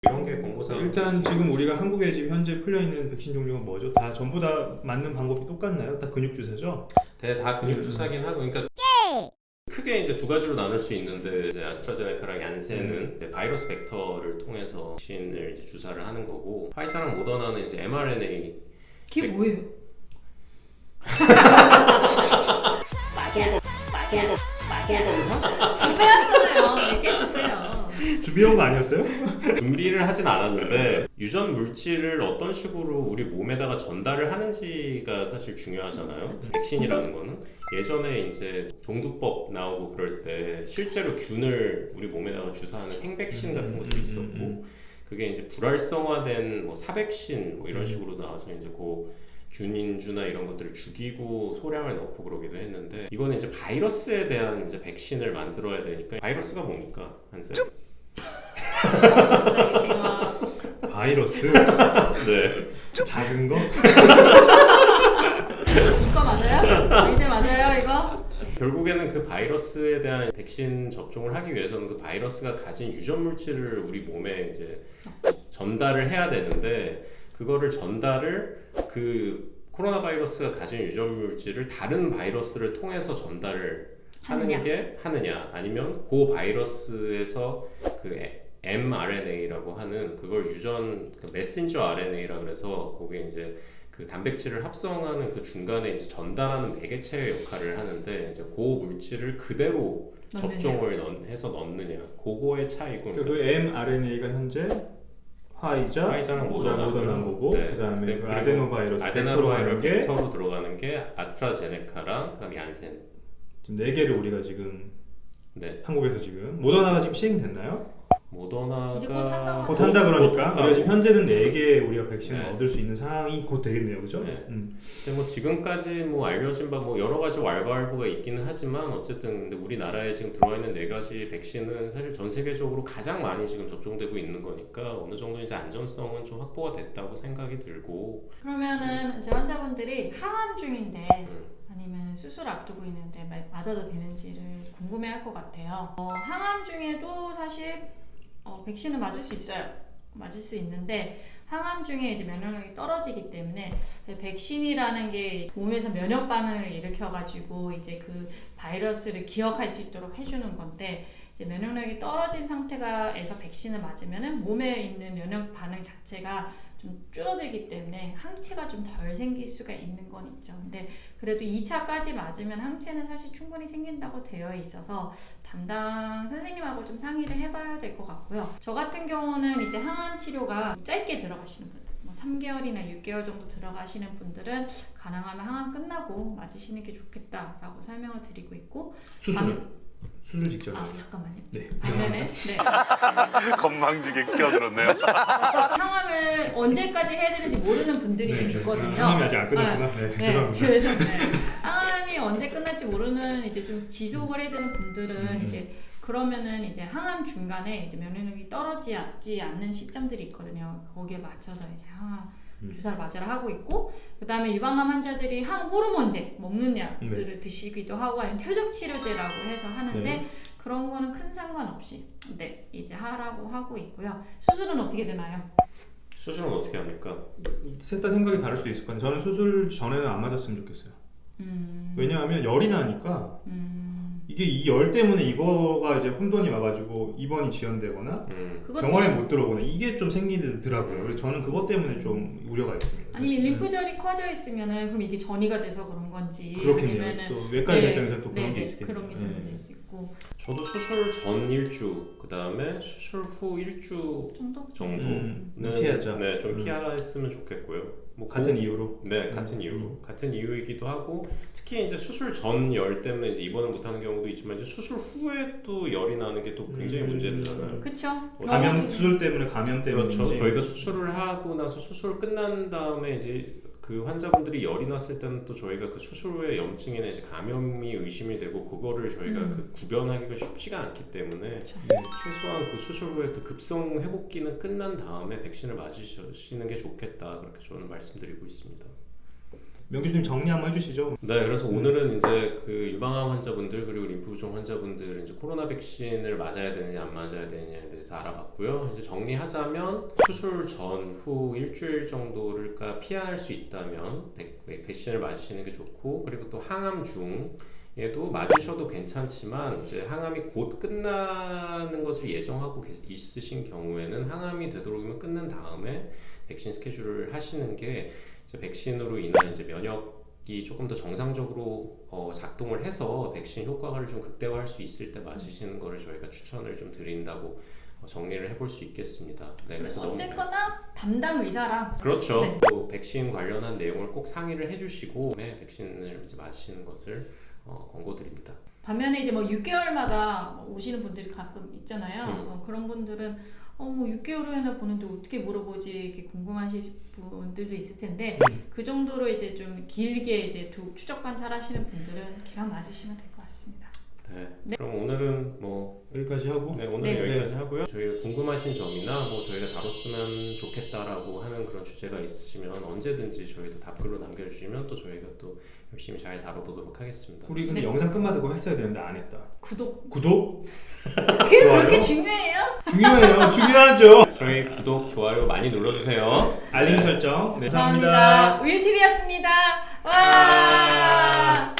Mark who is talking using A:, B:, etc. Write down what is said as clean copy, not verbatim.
A: 이런 게 공고사항.
B: 일단 지금 우리가 한국에 지금 현재 풀려 있는 백신 종류가 뭐죠? 다 전부 다 맞는 방법이 똑같나요? 다 근육 주사죠?
A: 다 근육 주사긴 하고, 그러니까 크게 이제 두 가지로 나눌 수 있는데, 이제 아스트라제네카랑 얀센은 이제 바이러스 벡터를 통해서 백신을 이제 주사를 하는 거고, 화이자랑 모더나는 이제 mRNA.
C: 그게 뭐예요? 빼왔잖아요. 얘기해주세요.
B: 준비한 거 아니었어요?
A: 준비를 하진 않았는데 유전 물질을 어떤 식으로 우리 몸에다가 전달을 하는지가 사실 중요하잖아요. 백신이라는 거는 예전에 이제 종두법 나오고 그럴 때 실제로 균을 우리 몸에다가 주사하는 생백신 같은 것도 있었고, 그게 이제 불활성화된 뭐 사백신 뭐 이런 식으로 나와서 이제 그 균인주나 이런 것들을 죽이고 소량을 넣고 그러기도 했는데, 이거는 이제 바이러스에 대한 이제 백신을 만들어야 되니까. 바이러스가 뭡니까, 한쌤?
C: 갑자기 생각.
B: 바이러스?
A: 네.
B: 작은 거?
C: 이거 맞아요? 이대 맞아요 이거?
A: 결국에는 그 바이러스에 대한 백신 접종을 하기 위해서는 그 바이러스가 가진 유전 물질을 우리 몸에 이제 전달을 해야 되는데, 그거를 전달을 그 코로나 바이러스가 가진 유전 물질을 다른 바이러스를 통해서 전달을 하느냐 아니면 그 바이러스에서 그 mRNA라고 하는 그걸 유전 그 메신저 RNA라 그래서 거기에 이제 그 단백질을 합성하는 그 중간에 이제 전달하는 매개체의 역할을 하는데, 이제 그 물질을 그대로 접종을 해서 넣느냐, 그거의 차이고.
B: 그 mRNA가 현재 화이자랑 모더나인 거고,
A: 네.
B: 그다음에 그 아데노바이러스
A: 벡터로 들어가는 게 아스트라제네카랑 그다음에 얀센.
B: 지금 4개를 우리가 지금
A: 네.
B: 한국에서 지금 모더나가 지금 시행됐나요?
A: 모더나가
C: 이제 곧
B: 곧 한다 그러니까
A: 곧
B: 우리가 지금 현재는 4개 우리가 백신을
A: 네.
B: 얻을 수 있는 상황이 곧 되겠네요, 그죠?
A: 네. 근데 뭐 지금까지 뭐 알려진 바 뭐 여러 가지 왈가왈부가 있기는 하지만, 어쨌든 근데 우리나라에 지금 들어와 있는 4가지 백신은 사실 전 세계적으로 가장 많이 지금 접종되고 있는 거니까 어느 정도 이제 안전성은 좀 확보가 됐다고 생각이 들고.
C: 그러면은 이제 환자분들이 항암 중인데 아니면 수술 앞두고 있는데 맞아도 되는지를 궁금해할 것 같아요. 항암 중에도 사실 백신을 맞을 수 있어요. 맞을 수 있는데 항암 중에 이제 면역력이 떨어지기 때문에 백신이라는 게 몸에서 면역 반응을 일으켜가지고 이제 그 바이러스를 기억할 수 있도록 해주는 건데, 이제 면역력이 떨어진 상태가에서 백신을 맞으면은 몸에 있는 면역 반응 자체가 좀 줄어들기 때문에 항체가 좀 덜 생길 수가 있는 건 있죠. 근데 그래도 2차까지 맞으면 항체는 사실 충분히 생긴다고 되어 있어서 담당 선생님하고 좀 상의를 해봐야 될 것 같고요. 저 같은 경우는 이제 항암 치료가 짧게 들어가시는 분들, 뭐 3개월이나 6개월 정도 들어가시는 분들은 가능하면 항암 끝나고 맞으시는 게 좋겠다라고 설명을 드리고 있고.
B: 수술 직전.
C: 잠깐만요.
B: 네.
C: 반면에 네.
D: 건방지게 끼어들었네요.
C: 항암을 언제까지 해야 되는지 모르는 분들이 좀 있거든요.
B: 항암이 아직 안 끝났구나. 네, 죄송합니다.
C: 죄송해요. 항암이 언제 끝날지 모르는 이제 좀 지속을 해야 되는 분들은 이제 그러면은 이제 항암 중간에 이제 면역력이 떨어지지 않는 시점들이 있거든요. 거기에 맞춰서 이제 항암 주사를 맞으라 하고 있고, 그 다음에 유방암 환자들이 항호르몬제 먹는 약들을 드시기도 하고, 아니면 표적 치료제라고 해서 하는데 그런 거는 큰 상관없이 이제 하라고 하고 있고요. 수술은 어떻게 되나요?
A: 수술은 어떻게 합니까?
B: 셋 다 생각이 다를 수도 있을 것 같아요. 저는 수술 전에는 안 맞았으면 좋겠어요. 왜냐하면 열이 나니까 이게 이 열 때문에 이거가 이제 혼돈이 와가지고 입원이 지연되거나 병원에 못 들어오거나 이게 좀 생기더라고요. 그래서 저는 그것 때문에 좀 우려가 있습니다.
C: 아니면 림프절이 커져 있으면은 그럼 이게 전이가 돼서 그런 건지,
B: 그렇겠네요.
C: 아니면은
B: 또 외과의사 입장에서 또 그런 게 있겠네요.
C: 그런 게 될 수 있고.
A: 저도 수술 전 일주, 그 다음에 수술 후 일주 정도는
B: 피하자.
A: 네, 좀 피했으면 좋겠고요. 뭐
B: 같은 이유로.
A: 네, 같은 이유로. 같은 이유이기도 하고, 특히 이제 수술 전 열 때문에 이제 입원을 못하는 경우도 있지만, 이제 수술 후에 또 열이 나는 게 또 굉장히 문제되잖아요.
C: 그렇죠.
B: 수술 때문에 감염 때문에.
A: 그렇죠. 저희가 수술을 하고 나서 수술 끝난 다음에 이제 그 환자분들이 열이 났을 때는 또 저희가 그 수술 후에 염증이나 이제 감염이 의심이 되고, 그거를 저희가 그 구별하기가 쉽지가 않기 때문에 최소한 그 수술 후에 그 급성 회복기는 끝난 다음에 백신을 맞으시는 게 좋겠다, 그렇게 저는 말씀드리고 있습니다.
B: 명 교수님 정리 한번 해주시죠.
A: 네, 그래서 오늘은 이제 그 유방암 환자분들 그리고 림프 부종 환자분들 이제 코로나 백신을 맞아야 되느냐 안 맞아야 되느냐에 대해서 알아봤고요. 이제 정리하자면 수술 전후 일주일 정도를 피할 수 있다면 백신을 맞으시는 게 좋고, 그리고 또 항암 중에도 맞으셔도 괜찮지만 이제 항암이 곧 끝나는 것을 예정하고 있으신 경우에는 항암이 되도록이면 끝난 다음에 백신 스케줄을 하시는 게 이제 백신으로 인한 이제 면역이 조금 더 정상적으로 작동을 해서 백신 효과를 좀 극대화할 수 있을 때 맞으시는 거를 저희가 추천을 좀 드린다고 정리를 해볼 수 있겠습니다. 네, 그래서
C: 어쨌거나 담당 의사랑
A: 그렇죠.
C: 네.
A: 또 백신 관련한 내용을 꼭 상의를 해주시고 백신을 이제 맞으시는 것을 권고드립니다.
C: 반면에 이제 뭐 6개월마다 오시는 분들이 가끔 있잖아요. 그런 분들은 뭐 6개월 후에나 보는데 어떻게 물어보지 이렇게 궁금하실 분들도 있을 텐데 그 정도로 이제 좀 길게 이제 추적 관찰하시는 분들은 기랑 맞으시면 될 것 같습니다.
A: 네. 그럼 오늘은 뭐
B: 여기까지 하고
A: 오늘은
C: 네.
A: 여기까지 하고요. 저희가 궁금하신 점이나 뭐 저희가 다뤘으면 좋겠다라고 하는 그런 주제가 있으시면 언제든지 저희도 답글로 남겨주시면 또 저희가 또 열심히 잘 다뤄보도록 하겠습니다.
B: 우리 근데
C: 네.
B: 영상 끝마다 그거 했어야 되는데 안 했다.
C: 구독.
B: 좋아요?
C: 그게 그렇게 중요해요?
B: 중요해요. 중요하죠.
A: 저희 구독, 좋아요 많이 눌러주세요.
B: 알림
A: 네.
B: 설정. 네,
C: 감사합니다. 우유TV였습니다. 와.